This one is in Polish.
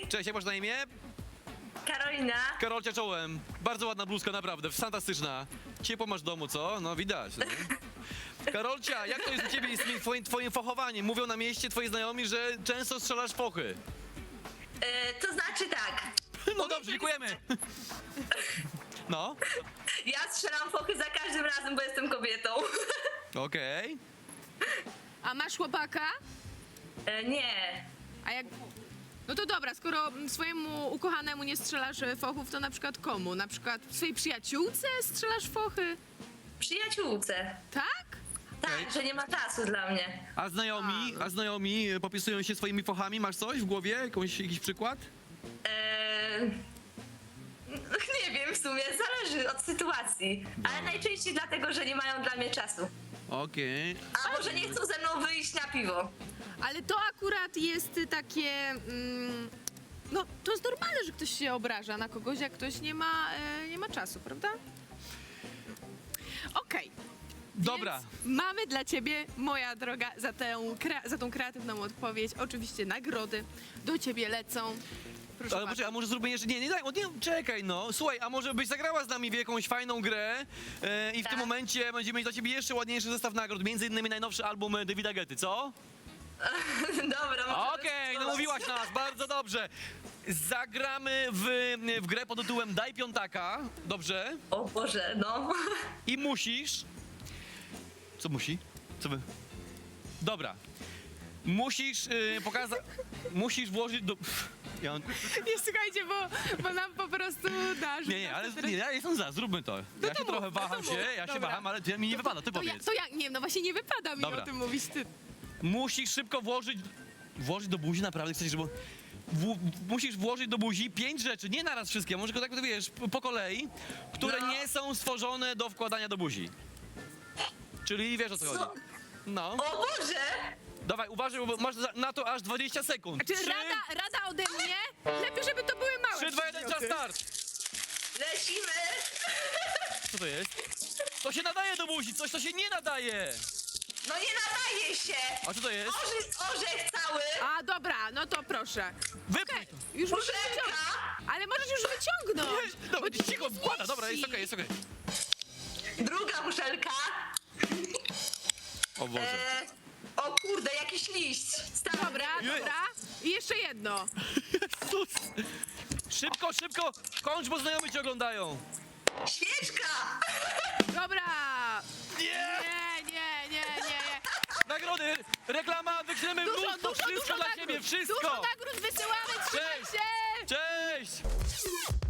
Cześć, jak masz na imię? Karolina. Karolcia czołem. Bardzo ładna bluzka, naprawdę, fantastyczna. Ciepło masz w domu, co? No widać. No. Karolcia, jak to jest u ciebie z twoim fachowaniem? Mówią na mieście twoi znajomi, że często strzelasz fochy. To znaczy tak. No dobrze, dziękujemy. No, Ja strzelam fochy za każdym razem, bo jestem kobietą. okej. A masz chłopaka? Nie. A jak... No to dobra, skoro swojemu ukochanemu nie strzelasz fochów, to na przykład komu? Na przykład swojej przyjaciółce strzelasz fochy? Przyjaciółce. Tak? Tak, Okej. że nie ma czasu dla mnie. A znajomi popisują się swoimi fochami? Masz coś w głowie? Jakiś przykład? Nie wiem w sumie, zależy od sytuacji. Ale najczęściej dlatego, że nie mają dla mnie czasu. Okej. A może nie chcą ze mną wyjść na piwo. Ale to akurat jest takie... no, to jest normalne, że ktoś się obraża na kogoś, jak ktoś nie ma czasu, prawda? Okej. Dobra. Więc mamy dla ciebie, moja droga, za tą kreatywną odpowiedź. Oczywiście nagrody do ciebie lecą. Proszę Ale bardzo. poczekaj, a może zróbmy jeszcze... Nie, czekaj no. Słuchaj, a może byś zagrała z nami w jakąś fajną grę i w Tak. tym momencie będziemy mieć dla ciebie jeszcze ładniejszy zestaw nagród, między innymi najnowszy album Davida Guetty, co? Dobra, możemy Okej, spróbować. namówiłaś nas, bardzo dobrze. Zagramy w grę pod tytułem Daj piątaka, dobrze? O Boże, no. I musisz... Co musi? Co wy? Dobra. Musisz pokazać... Musisz włożyć do... Ja mam... Nie, słuchajcie, bo nam po prostu dasz. Nie, ale ja jestem za, zróbmy to. Ja się mów, trochę waham się, ja się Dobra. waham, ale mi nie wypada, ty powiedz. To ja, nie, no właśnie nie wypada mi Dobra. o tym mówić, ty. Musisz szybko włożyć do buzi, naprawdę chcesz, żeby... Musisz włożyć do buzi 5 rzeczy, nie naraz wszystkie, może tylko tak wiesz, po kolei, które No. nie są stworzone do wkładania do buzi. Czyli wiesz o co Co? chodzi. No. O Boże! Dawaj, uważaj, bo masz na to aż 20 sekund. Czy rada ode mnie? Lepiej, żeby to były małe 3, 2, 1, czas przedmioty. start! Lecimy! Co to jest? To się nadaje do buzi, coś to się nie nadaje! No nie nadaje się! A co to jest? Orzech cały! A, dobra, no to proszę. Wypnij to! Już musisz Muszelka! wyciągnąć. Ale możesz już wyciągnąć. Dobra, bo ci się cicho, nie wkłada, dobra, jest zmieści. okej, jest okej. Druga muszelka. O Boże. O kurde, jakiś liść. Stary. Dobra, dobra. I jeszcze jedno. Jezus! Szybko, szybko! Kończ, bo znajomi cię oglądają! Świeczka! Dobra. Nie! Nie. Nagrody! Reklama! Wyślemy mnóstwo! Wszystko dla ciebie! Wszystko! Dużo nagród wysyłamy, trzymaj Cześć. się. Cześć!